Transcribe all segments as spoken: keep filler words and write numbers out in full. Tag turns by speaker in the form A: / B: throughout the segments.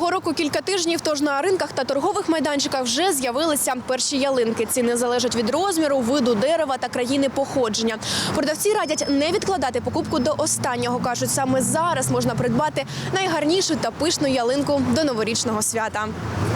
A: Нового року кілька тижнів, тож на ринках та торгових майданчиках вже з'явилися перші ялинки. Ціни залежать від розміру, виду дерева та країни походження. Продавці радять не відкладати покупку до останнього. Кажуть, саме зараз можна придбати найгарнішу та пишну ялинку до новорічного свята.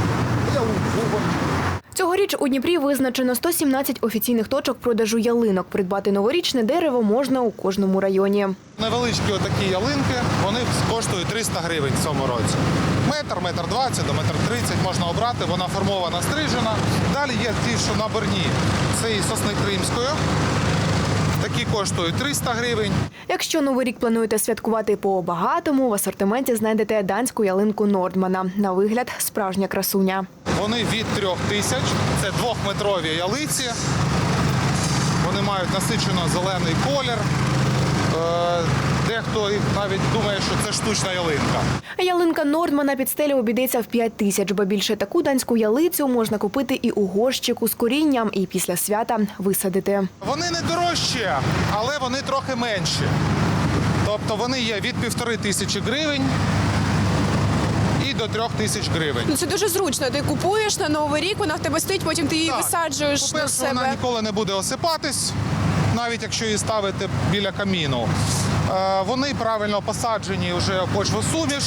A: Цьогоріч у Дніпрі визначено сто сімнадцять офіційних точок продажу ялинок. Придбати новорічне дерево можна у кожному районі.
B: Невеличкі отакі ялинки, вони коштують триста гривень в цьому році. Метр, метр двадцять до метр тридцять можна обрати, вона формована, стрижена. Далі є ті, що наборні, це і сосни кримської. Такі коштують триста гривень.
A: Якщо Новий рік плануєте святкувати по-багатому, в асортименті знайдете данську ялинку Нордмана. На вигляд – справжня красуня.
B: Вони від трьох тисяч, це двохметрові ялиці. Вони мають насичено зелений колір. Е, Дехто навіть думає, що це штучна ялинка.
A: Ялинка Нордмана під стелю обійдеться в п'ять тисяч, бо більше таку данську ялицю можна купити і у горщику з корінням, і після свята висадити.
B: Вони не дорожчі, але вони трохи менші. Тобто вони є від півтори тисячі гривень і до трьох тисяч гривень.
A: Ну, це дуже зручно. Ти купуєш на Новий рік, вона в тебе стоїть, потім ти її
B: Так.
A: висаджуєш до
B: По-перше, вона
A: себе.
B: ніколи не буде осипатись, навіть якщо її ставити біля каміну. Е, Вони правильно посаджені вже в почвосуміш.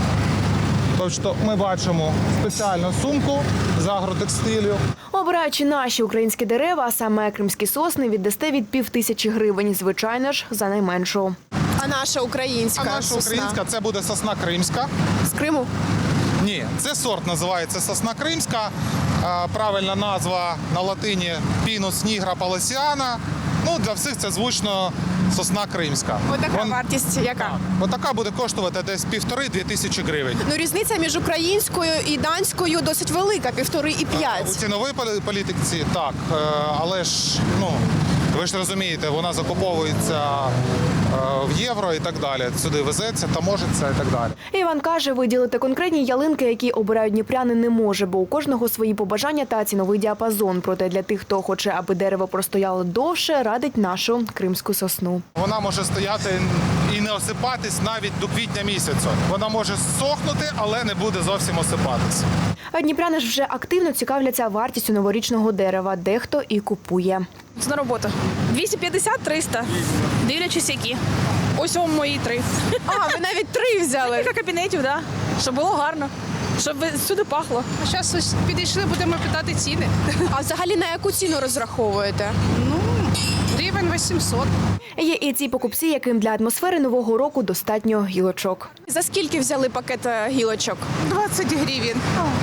B: Тобто ми бачимо спеціальну сумку з агротекстилю.
A: Обираючи наші українські дерева, а саме кримські сосни, віддасте від пів тисячі гривень. Звичайно ж, за найменшу. А наша українська
B: А наша українська – це буде сосна кримська.
A: з Криму?
B: Ні, це сорт називається сосна кримська. Е, Правильна назва на латині Pinus nigra palaciana. Ну, для всіх це звучно сосна кримська.
A: Отака
B: Вон-
A: вартість яка?
B: Отака буде коштувати десь півтори-дві тисячі гривень.
A: Ну, різниця між українською і данською досить велика, півтори і
B: У
A: п'ять.
B: ціновій полі- політиці так, е, але ж, ну, ви ж розумієте, вона закуповується е, в євро і так далі. Сюди везеться, таможиться і так далі.
A: Іван каже, виділити конкретні ялинки, які обирають дніпряни, не може, бо у кожного свої побажання та ціновий діапазон. Проте для тих, хто хоче, аби дерево простояло довше, радить нашу кримську сосну.
B: Вона може стояти і не осипатись навіть до квітня місяця. Вона може сохнути, але не буде зовсім осипатись.
A: А дніпряни ж вже активно цікавляться вартістю новорічного дерева. Дехто і купує.
C: Це на роботу. двісті п'ятдесят - триста. Дивлячись які. Ось вам мої три.
A: А, ви навіть три взяли.
C: Кілька кабінетів, так. Да. Щоб було гарно. Щоб всюди пахло.
D: А зараз ось підійшли, будемо питати ціни.
A: А взагалі на яку ціну розраховуєте?
D: Ну, гривень вісімсот.
A: Є і ці покупці, яким для атмосфери Нового року достатньо гілочок. За скільки взяли пакет е, гілочок?
D: двадцять гривень.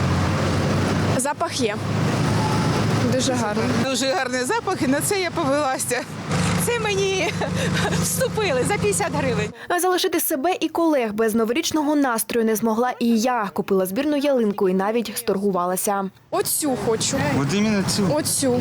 A: Запах є. Дуже гарно.
D: Дуже гарний запах, і на це я повелася. Це мені вступили за п'ятдесят гривень.
A: А залишити себе і колег без новорічного настрою не змогла і я. Купила збірну ялинку і навіть сторгувалася. Оцю хочу.
E: Вот именно цю.
A: Оцю.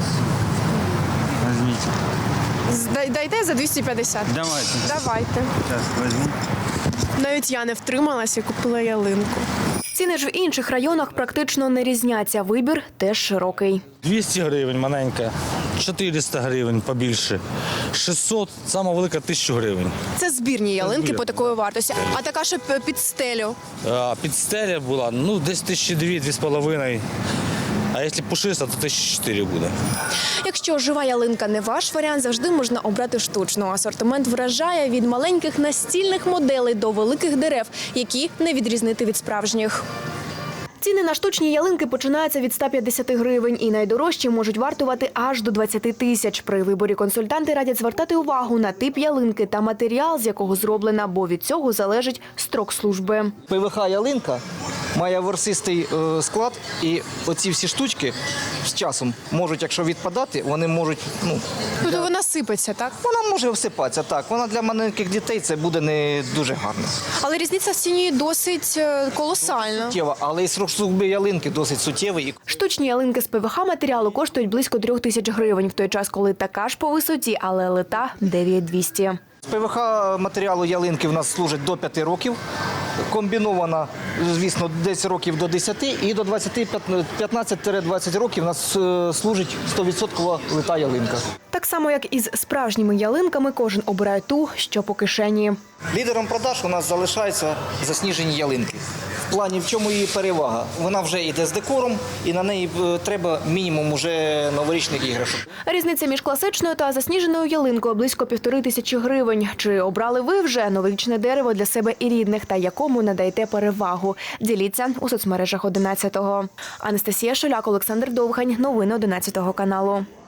E: Возьмите.
A: Дайте за двісті п'ятдесят.
E: Давайте.
A: Давайте.
E: Сейчас возьму.
A: Навіть я не втрималася і купила ялинку. Ціни ж в інших районах практично не різняться. Вибір теж широкий.
F: двісті гривень маленька, чотириста гривень побільше, шістсот, сама велика тисячу гривень.
A: Це збірні ялинки
F: збірні,
A: по такої вартості. А така, що під стелю.
F: А під стеля була, ну десь тисячі дві, дві з половиною. А якщо пушиста, то тисячі чотири буде.
A: Якщо жива ялинка не ваш варіант, завжди можна обрати штучну. Асортимент вражає від маленьких настільних моделей до великих дерев, які не відрізнити від справжніх. Ціни на штучні ялинки починаються від ста п'ятдесят гривень і найдорожчі можуть вартувати аж до двадцяти тисяч. При виборі консультанти радять звертати увагу на тип ялинки та матеріал, з якого зроблена, бо від цього залежить строк служби.
G: ПВХ-ялинка має ворсистий е, склад, і оці всі штучки з часом можуть, якщо відпадати, вони можуть, ну,
A: Тобто вона сипеться, так?
G: вона може всипатися, так. Вона для маленьких дітей це буде не дуже гарно.
A: Але різниця в ціні досить е, колосальна.
G: Суттєва, але і срок служби ялинки досить суттєвий.
A: Штучні ялинки з ПВХ-матеріалу коштують близько трьох тисяч гривень, в той час, коли така ж по висоті, але лита – дев'ять тисяч двісті.
G: З пе ве ха матеріалу ялинки в нас служить до п'яти років. Комбінована, звісно, десь років до десяти і до двадцяти, п'ятнадцять-двадцять років у нас е, служить сто відсотків лита ялинка.
A: Так само, як і з справжніми ялинками, кожен обирає ту, що по кишені.
G: Лідером продаж у нас залишаються засніжені ялинки. В плані, в чому її перевага? Вона вже йде з декором і на неї е, треба мінімум уже новорічних іграшок.
A: Різниця між класичною та засніженою ялинкою близько півтори тисячі гривень. Чи обрали ви вже новорічне дерево для себе і рідних та якому надаєте перевагу? Діліться у соцмережах одинадцятого. Анастасія Шуляк, Олександр Довгань. Новини одинадцятого каналу.